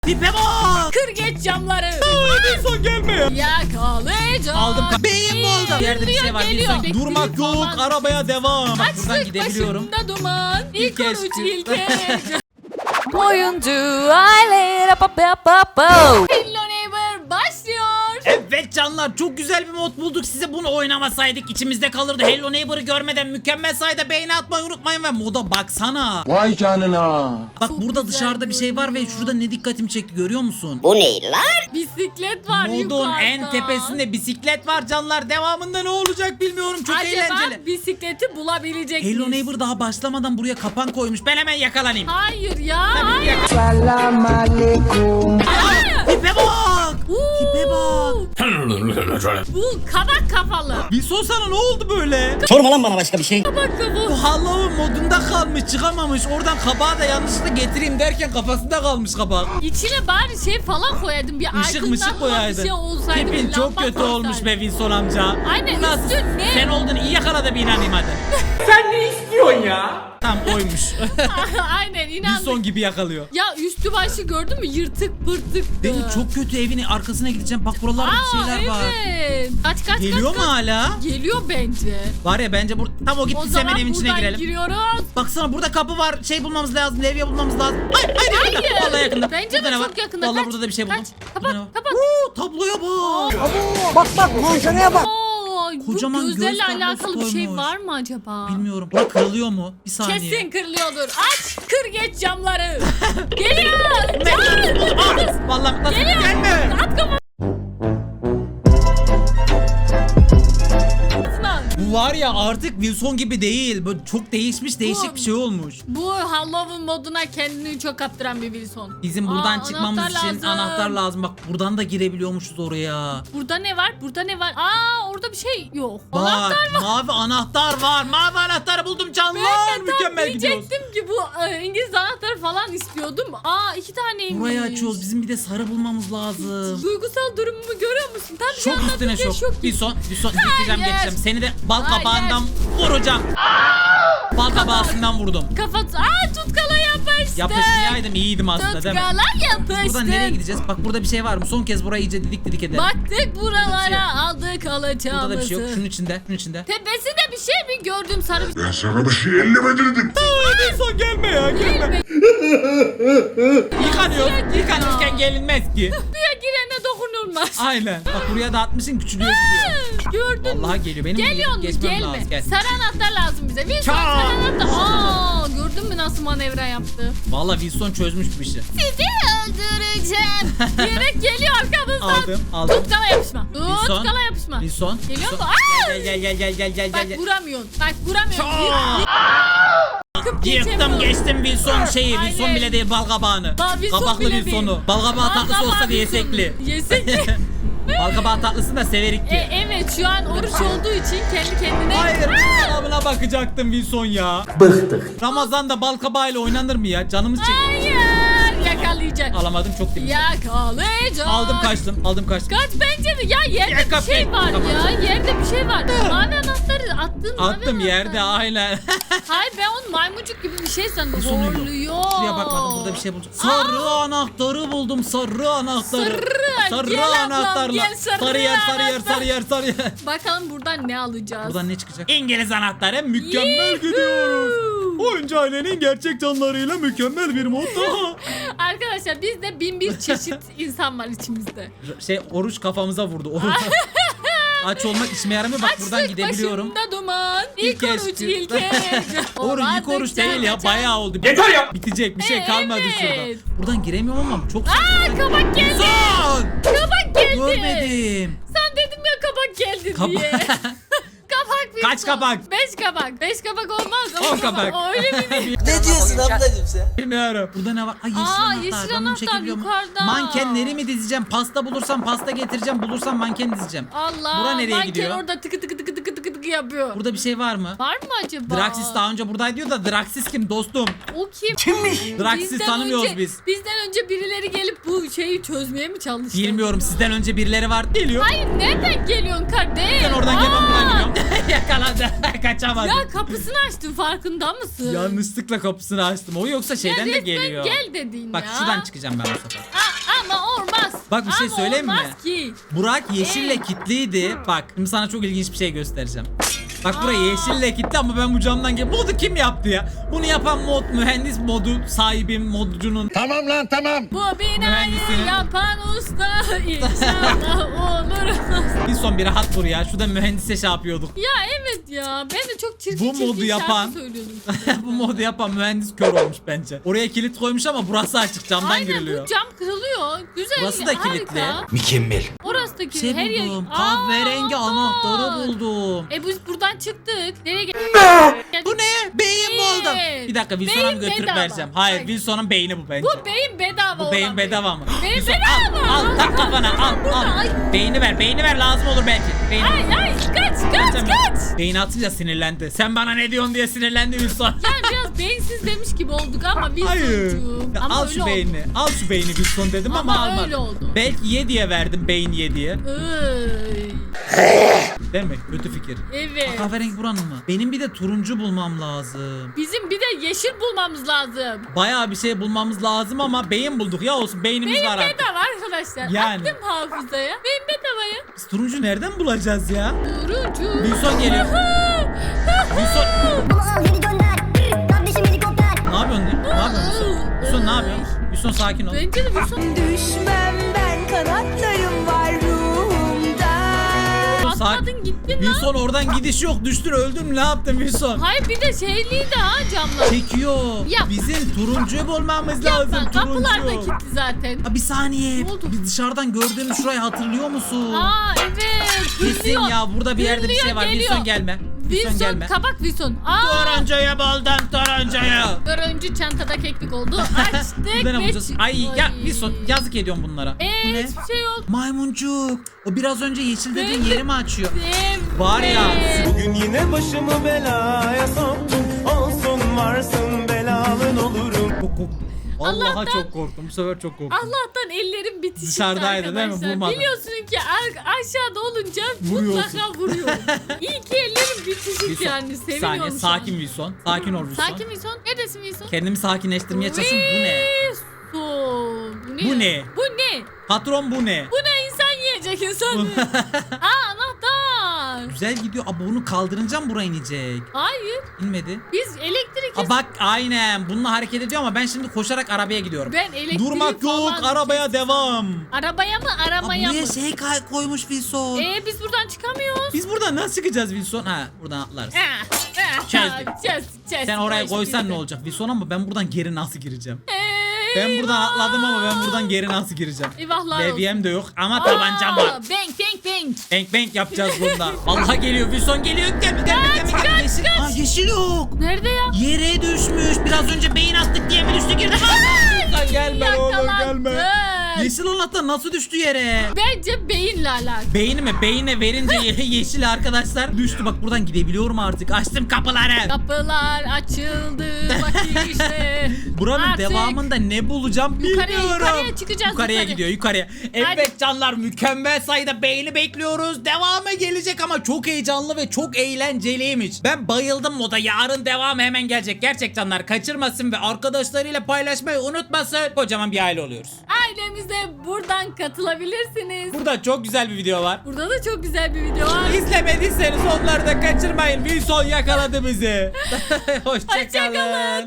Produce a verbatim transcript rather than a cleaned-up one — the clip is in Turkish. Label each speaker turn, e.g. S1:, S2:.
S1: Tipe bak.
S2: Kır geç camları.
S1: Wilson gelme ya.
S2: Yakalayacağım.
S1: Aldım. Beyin oldu. Bir yerde bir şey var.
S2: Geliyor,
S1: Wilson,
S2: geliyor.
S1: durmak yok.
S2: Aman.
S1: Arabaya devam. Bak buradan
S2: Açlık
S1: gidebiliyorum.
S2: başımda duman. İlk
S1: İlk
S2: oruç
S1: eski.
S2: ilk ev.
S3: Oyuncu aile pa pa pa pa.
S2: Hello Neighbor başlıyor.
S1: Evet canlar, çok güzel bir mod bulduk. Size bunu oynamasaydık içimizde kalırdı. Hello Neighbor'ı görmeden mükemmel sayıda beğeni atmayı unutmayın ve moda baksana.
S4: Vay canına.
S1: Bak
S2: Çok
S1: burada
S2: güzel
S1: dışarıda bir şey var ve
S2: görünüyor.
S1: şurada ne dikkatimi çekti görüyor musun?
S5: Bu ne lan?
S2: Bisiklet var
S1: Modun
S2: yukarıda.
S1: en tepesinde bisiklet var canlar. Devamında ne olacak bilmiyorum. Çok
S2: Acaba
S1: eğlenceli.
S2: bisikleti bulabilecek miyiz?
S1: Hello Neighbor daha başlamadan buraya kapan koymuş. Ben hemen yakalanayım.
S2: Hayır ya.
S1: Tabii
S2: Hayır.
S1: yaka-
S4: Selam aleyküm.
S1: Tipe bak.
S2: Uuu.
S1: Tipe bak.
S2: Bu kabak kafalı.
S1: Wilson sana ne oldu böyle?
S5: Sorma lan bana başka bir şey.
S2: Kabak kafalı.
S1: Bu Halloween modunda kalmış, çıkamamış. Oradan kabağı da yanlışlıkla getireyim derken kafasında kalmış kabak.
S2: İçine bari şey falan koyaydım. Bir
S1: Işık
S2: aydınlatma
S1: mışık
S2: bir
S1: koyaydın.
S2: şey olsaydı.
S1: Tipin
S2: bir
S1: çok
S2: lamba
S1: kötü
S2: koysaydı.
S1: olmuş be Wilson amca.
S2: Aynen,
S1: Bu nasıl?
S2: üstün ne?
S1: Sen oldun, iyi yakala da bir inanayım hadi. Tam oymuş.
S2: Aynen inandım.
S1: Wilson gibi yakalıyor.
S2: Ya üstü başı gördün mü? Yırtık pırtık.
S1: Değil mi? Çok kötü, evin arkasına gideceğim. Bak buralarda bir
S2: Aa,
S1: şeyler var.
S2: evet. Kaç kaç
S1: Geliyor
S2: kaç,
S1: mu
S2: kaç.
S1: hala?
S2: Geliyor bence.
S1: Var ya bence bur tam o
S2: O
S1: gittiyse
S2: zaman
S1: hemen evin içine
S2: buradan
S1: girelim.
S2: giriyoruz.
S1: Baksana burada kapı var. Şey bulmamız lazım. Levye bulmamız lazım. Hayır hayır. yakında.
S2: Hayır.
S1: Vallahi yakında.
S2: Bence
S1: Burada
S2: de
S1: ne var?
S2: çok yakında.
S1: Vallahi
S2: Kaç,
S1: burada da bir şey buldum.
S2: kaç.
S1: Burada ne
S2: Kapat
S1: var?
S2: kapat.
S1: Oo, tabloya bak.
S4: Bak bak manzaraya bak.
S2: Aa,
S1: Kocaman
S2: bu
S1: göz
S2: gözlerle
S1: tablosu
S2: alakalı bir şey
S1: koymuş.
S2: var mı acaba?
S1: Bilmiyorum. Bura kırılıyor mu? Bir saniye.
S2: Kesin kırılıyordur. Aç kır geç camları. Geliyor.
S1: Aa, vallahi nasıl
S2: Geliyor.
S1: gelme.
S2: At kafasına.
S1: Bu var ya artık Wilson gibi değil. Böyle çok değişmiş, değişik
S2: Bu-
S1: bir şey olmuş.
S2: Bu Halloween moduna kendini çok kaptıran bir Wilson.
S1: Bizim buradan
S2: Aa,
S1: çıkmamız
S2: anahtar
S1: için
S2: lazım.
S1: anahtar lazım. Bak buradan da girebiliyormuşuz oraya.
S2: Burada ne var? Burada ne var? Aa orada bir şey yok.
S1: Bak,
S2: Anahtar var.
S1: mavi anahtar var. Mavi anahtarı buldum canlar.
S2: Ben de tam
S1: Mükemmel gidiyoruz.
S2: diyecektim ki bu e, İngiliz anahtarı falan istiyordum. Aa iki taneymiş.
S1: Burayı açıyoruz. Bizim bir de sarı bulmamız lazım.
S2: Duygusal durumumu görüyor musun? Tam şu
S1: Şok
S2: anda
S1: üstüne
S2: Türkiye
S1: şok. Bir
S2: gibi.
S1: son, bir son. Geçeceğim,
S2: Hayır.
S1: geçeceğim. Seni de bal
S2: Hayır.
S1: kabağından vuracağım. Bal kabağından vurdum.
S2: Kafası. Aa tutkala yapıştı.
S1: Yapışmayaydım, iyiydim aslında değil mi?
S2: Tutkala yapıştı.
S1: Buradan nereye gideceğiz? Bak burada bir şey var mı? Son kez burayı iyice didik didik edelim.
S2: Baktık buralara aldık
S1: Burada
S2: alacağımızı.
S1: da bir şey yok. Şunun içinde, şunun içinde.
S2: Tepesinde bir şey mi gördüm sarı bir
S4: Ben sana bir şey elleme dedim.
S1: Wilson gelme ya,
S2: gelme.
S1: Yıkanıyoruz. Yıkanırken gelinmez ki.
S2: Suya girene dokunulmaz.
S1: Aynen. Bak buraya da atmışsın, küçülüyor gidiyor.
S2: Gördün mü?
S1: Vallahi geliyor. Benim
S2: Geliyor mu?
S1: geçmem
S2: Gelme.
S1: lazım. Gel.
S2: Sarı anahtar lazım bize. Wilson
S1: Çak.
S2: sarı anahtar. Aa gördün mü nasıl manevra yaptı?
S1: Vallahi Wilson çözmüş bir işi.
S2: Sizi öldüreceğim. Diyerek geliyor arkamızdan.
S1: Aldım, aldım.
S2: Tutkala yapışma.
S1: Wilson.
S2: Tutkala yapışma.
S1: Wilson.
S2: Geliyor mu?
S1: Wilson.
S2: Aa!
S1: Gel gel gel gel gel gel
S2: Bak
S1: gel.
S2: vuramıyorsun. Bak vuramıyorsun.
S1: Çak.
S2: Yıkıp
S1: Yıktım
S2: geçemiyorum.
S1: geçtim Wilson şeyi.
S2: Aynen.
S1: Wilson bile değil, balkabağını.
S2: Ba- Wilson
S1: Kabaklı
S2: bile
S1: Wilson'u.
S2: değil.
S1: Balkabağı tatlısı
S2: Balkabağı
S1: olsa diye
S2: Wilson'u.
S1: yesekli.
S2: Yesek.
S1: Balkabağı tatlısını da severik
S2: E,
S1: ki.
S2: evet şu an oruç olduğu için kendi kendine.
S1: Hayır, cevabına bakacaktım Wilson ya.
S4: Bıktık.
S1: Ramazan'da balkabağıyla oynanır mı ya? Canımız çekti.
S2: Hayır yakalayacak.
S1: Alamadım, çok temiz.
S2: Yakalayacak.
S1: Aldım kaçtım, aldım kaçtım.
S2: Kaç bence de ya yerde
S1: Ya,
S2: bir
S1: kapıyı-
S2: şey var
S1: Kapat.
S2: ya yerde bir şey var. Mavi anahtarı attın mavi
S1: Attım yerde,
S2: anahtarı.
S1: aynen.
S2: Hayır ben onu maymuncuk gibi bir şey sandım.
S1: Sonu yok.
S2: Horluyor.
S1: Şuraya bakmadım, burada bir şey bulacağım. Sarı anahtarı buldum, sarı anahtarı.
S2: Sarı, gel ablam,
S1: anahtarla.
S2: gel sarı
S1: sarı yer, sarı yer,
S2: anahtar.
S1: sarı yer, sarı yer.
S2: Bakalım buradan ne alacağız?
S1: Buradan ne çıkacak? İngiliz anahtarı, mükemmel
S2: Yuhuu.
S1: gidiyoruz. Oyuncu ailenin gerçek canlarıyla mükemmel bir mod daha.
S2: Arkadaşlar bizde bin bir çeşit insan var içimizde.
S1: Şey, oruç kafamıza vurdu. Oruç. Aç olmak işime yaramıyor. Bak buradan
S2: Açlık
S1: gidebiliyorum.
S2: başımda duman. İlk,
S1: İlk
S2: oruç
S1: eski.
S2: ilk ev.
S1: Oruç ilk oruç değil ya, bayağı oldu.
S4: Yeter ya.
S1: Bitecek bir şey
S2: E,
S1: kalmadı
S2: evet.
S1: şurada. Buradan giremiyorum ama çok
S2: Aa kabak geldi.
S1: Son!
S2: Kabak geldi.
S1: Görmedim.
S2: Sen dedim ya kabak geldi
S1: Kaba-
S2: diye. Kabak bir
S1: Kaç
S2: son.
S1: kabak?
S2: Beş kabak. Beş kabak olmaz. ama
S1: On kabak.
S2: O öyle mi?
S5: Ne diyorsun ablacığım sen?
S1: Bilmiyorum. Burada ne var? Ay yeşil
S2: Aa,
S1: anahtar.
S2: yeşil
S1: Ben bunu
S2: anahtar
S1: çekebiliyor muyum?
S2: yukarıda.
S1: Mankenleri mi dizeceğim? Pasta bulursam pasta getireceğim. Bulursam manken dizeceğim.
S2: Allah.
S1: Bura nereye
S2: manken
S1: gidiyor?
S2: orada tıkı tıkı tıkı tıkı tıkı tıkı baskı yapıyor.
S1: Burada bir şey var mı?
S2: Var mı acaba?
S1: Draxis daha önce buradaydı diyor da Draxis kim dostum?
S2: O kim?
S4: Kimmiş?
S1: Draxis'i
S2: Bizden
S1: tanımıyoruz
S2: önce-
S1: biz.
S2: Bizden önce birileri gelip bu şeyi çözmeye mi çalıştı?
S1: Bilmiyorum, sizden önce birileri var geliyor.
S2: Hayır, nereden geliyorsun kardeş?
S1: Ben oradan gel, ben
S2: Aa!
S1: buradan gidiyorum. Yakaladı. Kaçamadı.
S2: Ya kapısını açtın, farkında mısın?
S1: Yanlışlıkla kapısını açtım. O yoksa şeyden
S2: ya
S1: de
S2: resmen
S1: geliyor.
S2: gel dedin
S1: Bak
S2: ya.
S1: şuradan çıkacağım ben bu sefer.
S2: Aa, ama olmaz.
S1: Bak bir şey
S2: Ama
S1: söyleyeyim mi?
S2: olmaz ki.
S1: Burak yeşille kilitliydi. Bak şimdi sana çok ilginç bir şey göstereceğim. Bak buraya yeşille kilitli ama ben bu camdan gel. Modu kim yaptı ya? Bunu yapan mod mühendis modu sahibim modcunun.
S4: Tamam lan tamam.
S2: Bu binayı
S1: Mühendisinin-
S2: yapan usta inşallah olur.
S1: Bir son bir rahat vur ya. Şurada mühendise şey yapıyorduk.
S2: Ya evet ya, ben de çok çirkin
S1: Bu
S2: çirkin
S1: modu yapan-
S2: şarkı söylüyordum.
S1: Bu modu yapan mühendis kör olmuş bence. Oraya kilit koymuş ama burası açık, camdan
S2: Aynen,
S1: giriliyor.
S2: bu cam kırılıyor. Güzel.
S1: Burası da kilitli.
S2: harika.
S4: Mükemmel.
S2: Orası da
S1: Bir
S2: kilitli.
S1: şey
S2: Her yer.
S1: buldum.
S2: Aa,
S1: Kahverengi anahtarı
S2: anahtar.
S1: buldum.
S2: E biz buradan çıktık. Nereye geldik?
S1: Bu ne? Beyin buldum. Bir dakika Wilson'a mı
S2: Beyin
S1: götürüp
S2: bedava.
S1: vereceğim? Hayır,
S2: Bak.
S1: Wilson'un beyni bu bence.
S2: Bu beyin bedava
S1: Bu
S2: olan
S1: beyin bedava mı?
S2: Beyin
S1: Wilson,
S2: bedava.
S1: Al, al tak kafana al
S2: Burada,
S1: al.
S2: ay.
S1: Beyni ver, beyni ver, lazım olur belki. Beyni.
S2: Ay ay kaç kaç
S1: Sen-
S2: kaç.
S1: Beyni atınca sinirlendi. Sen bana ne diyorsun diye sinirlendi Wilson.
S2: Yani biraz beyinsiz demiş gibi olduk ama
S1: Hayır.
S2: Wilson'cum.
S1: Ya
S2: Ama
S1: al
S2: öyle
S1: şu
S2: oldu.
S1: beyni. Al şu beyni Wilson dedim ama,
S2: Ama
S1: almadım.
S2: öyle oldu.
S1: Belki ye diye verdim, beyin ye diye.
S2: Iy.
S1: Değil mi? Kötü fikir.
S2: Evet.
S1: Kahverengi buranın mı? Benim bir de turuncu bulmam lazım.
S2: Bizim bir de yeşil bulmamız lazım.
S1: Bayağı bir şey bulmamız lazım ama beyin bulduk ya, olsun beynimiz
S2: Beyin
S1: var artık.
S2: bedava arkadaşlar.
S1: Yani.
S2: Attım hafızaya. Beyin bedavaya.
S1: Biz turuncu nereden bulacağız ya?
S2: Turuncu.
S1: Wilson geliyor. Wilson
S6: Ama al geri gönder. Kardeşim helikopter.
S1: ne yapıyorsun? Ne yapıyorsun Wilson? Wilson ne yapıyorsun? Wilson sakin ol.
S2: Bence de Wilson.
S3: Düşmem ben, kanatlarım var ruhumda.
S2: Atladın gittin lan.
S1: Wilson oradan gidiş yok, düştün öldün, ne yaptın Wilson?
S2: Hayır, bir de şeyliydi ha camlar.
S1: Çekiyor.
S2: Yap.
S1: Bizim turuncuyu bulmamız lazım.
S2: Yapma, kapılar da
S1: Turuncu.
S2: kilitli zaten.
S1: Ha, bir saniye.
S2: Ne oldu?
S1: Biz dışarıdan gördüğümüz şurayı hatırlıyor musun?
S2: Aa evet.
S1: Kesin
S2: Hırlıyor.
S1: ya, burada bir yerde bir şey var.
S2: Hırlıyor,
S1: Wilson
S2: geliyor.
S1: gelme. Wilson
S2: Wilson,
S1: gelme.
S2: kabak Wilson. Aa,
S1: Turuncuyu buldum, turuncuyu.
S2: turuncu çantada keklik oldu. Açtık
S1: Burada ne
S2: ve
S1: bulacağız? Ay ya Wilson, yazık ediyorum bunlara. Bu
S2: Eee
S1: ne?
S2: hiçbir şey yok.
S1: Maymuncuk. O biraz önce yeşil dediğin
S2: Evet.
S1: yeri mi açıyor?
S2: Evet.
S1: Var ya.
S7: Bugün yine başımı belaya soktun. Olsun varsın belalın olurum.
S1: Çok korktum. Vallahi
S2: Allah'tan-
S1: çok korktum. Bu sefer çok korktum.
S2: Allah'tan ellerim bitişik
S1: Dışarıdaydı değil mi?
S2: arkadaşlar.
S1: Vurmadı.
S2: Biliyorsun ki a- aşağıda olunca
S1: Vuruyorsun.
S2: mutlaka vuruyorum. İyi ki ellerim bitişik
S1: Wilson,
S2: yani.
S1: bir
S2: Seviniyorum
S1: saniye,
S2: şu an.
S1: sakin Wilson. Sakin ol Wilson.
S2: Sakin Wilson. Neredesin Wilson?
S1: Kendimi sakinleştirmeye çalışıyorum. Bu ne?
S2: Wilson. Bu ne?
S1: Bu ne?
S2: Bu ne?
S1: Patron bu ne?
S2: Bu ne, insan yiyecek insan? Aa, anahtar.
S1: Güzel gidiyor. Aa, bunu kaldırınca mı buraya inecek?
S2: Hayır.
S1: İnmedi.
S2: Biz elektrik
S1: Aa, bak aynen. Bununla hareket ediyor ama ben şimdi koşarak arabaya gidiyorum.
S2: Ben elektrik
S1: Durmak yok.
S2: falan
S1: Arabaya
S2: kestim.
S1: devam.
S2: Arabaya mı
S1: Aa,
S2: aramaya
S1: buraya
S2: mı?
S1: şey kay- koymuş Wilson.
S2: Ee biz buradan çıkamıyoruz.
S1: Biz buradan nasıl çıkacağız Wilson? Ha, buradan atlarız.
S2: Ah, ah,
S1: Çözdük.
S2: çöz, çöz.
S1: Sen oraya
S2: O işte
S1: koysan
S2: bizde.
S1: ne olacak Wilson, ama ben buradan geri nasıl gireceğim?
S2: Eyvah.
S1: Ben buradan atladım ama ben buradan geri nasıl gireceğim?
S2: Eyvahlar
S1: Levyem de yok ama
S2: Aa,
S1: tabancam var.
S2: Bang bang bang.
S1: Bank bank yapacağız bunda. Vallahi geliyor Wilson, geliyor. Gel gel gel gel.
S2: Kaç,
S1: gel. Yeşil.
S2: kaç.
S1: Aa, yeşil yok.
S2: Nerede ya?
S1: Yere düşmüş. Biraz önce beyin attık diye mi düştü, girdi? Lan gelme oğlum,
S2: Yakalandın.
S1: gelme. Yeşil anahtar nasıl düştü yere?
S2: Bence beyinle alakalı.
S1: Beyni mi? Beyine verince ye- yeşil arkadaşlar düştü. Bak buradan gidebiliyorum artık. Açtım kapıları.
S2: Kapılar açıldı. Bak işte.
S1: Buranın
S2: Artık
S1: devamında ne bulacağım
S2: Yukarıya,
S1: bilmiyorum.
S2: yukarıya çıkacağız,
S1: Yukarıya
S2: yukarı.
S1: gidiyor, yukarıya. Evet
S2: Hadi.
S1: canlar, mükemmel sayıda beğeni bekliyoruz. Devamı gelecek ama çok heyecanlı ve çok eğlenceliymiş. Ben bayıldım moda. Yarın devamı hemen gelecek. Gerçek canlar, kaçırmasın ve arkadaşlarıyla paylaşmayı unutmasın. Kocaman bir aile oluyoruz.
S2: Ailemize buradan katılabilirsiniz.
S1: Burada çok güzel bir video var.
S2: Burada da çok güzel bir video var.
S1: İzlemediyseniz onları da kaçırmayın. Wilson yakaladı bizi. Hoşçakalın.
S2: Hoşçakalın.